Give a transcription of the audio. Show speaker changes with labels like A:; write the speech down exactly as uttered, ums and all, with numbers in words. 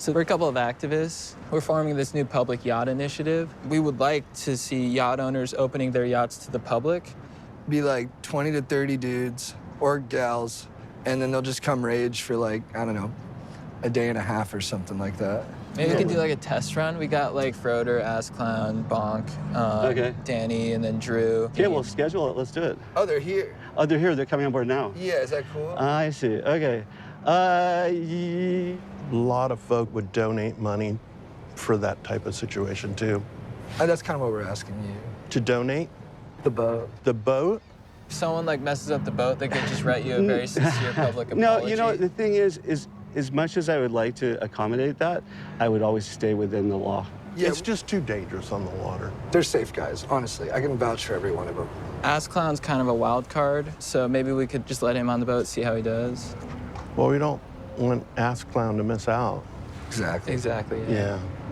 A: So we're a couple of activists. We're forming this new public yacht initiative. We would like to see yacht owners opening their yachts to the public.
B: Be like twenty to thirty dudes or gals, and then they'll just come rage for like, I don't know, a day and a half or something like that.
A: Maybe we could do like a test run. We got like Froder, Ass Clown, Bonk, um,
C: Okay.
A: Danny, and then Drew.
C: Okay, we'll schedule it. Let's do it.
B: Oh, they're here.
C: Oh, they're here. They're coming on board now.
B: Yeah, is that cool?
C: I see. Okay. Uh, ye-
D: A lot of folk would donate money for that type of situation too.
B: Uh, that's kind of what we're asking you.
D: To donate
B: The boat.
D: the boat,
A: If someone like messes up the boat, they could just write you a very sincere public apology.
C: no, you know, the thing is, is as much as I would like to accommodate that, I would always stay within the law.
B: Yeah,
D: it's just too dangerous on the water.
B: they're safe guys, honestly. I can vouch for every one of them.
A: Ass Clown's kind of a wild card, so maybe we could just let him on the boat, see how he does.
D: Well, we don't want Ass Clown to miss out.
B: Exactly.
A: Exactly.
D: Yeah.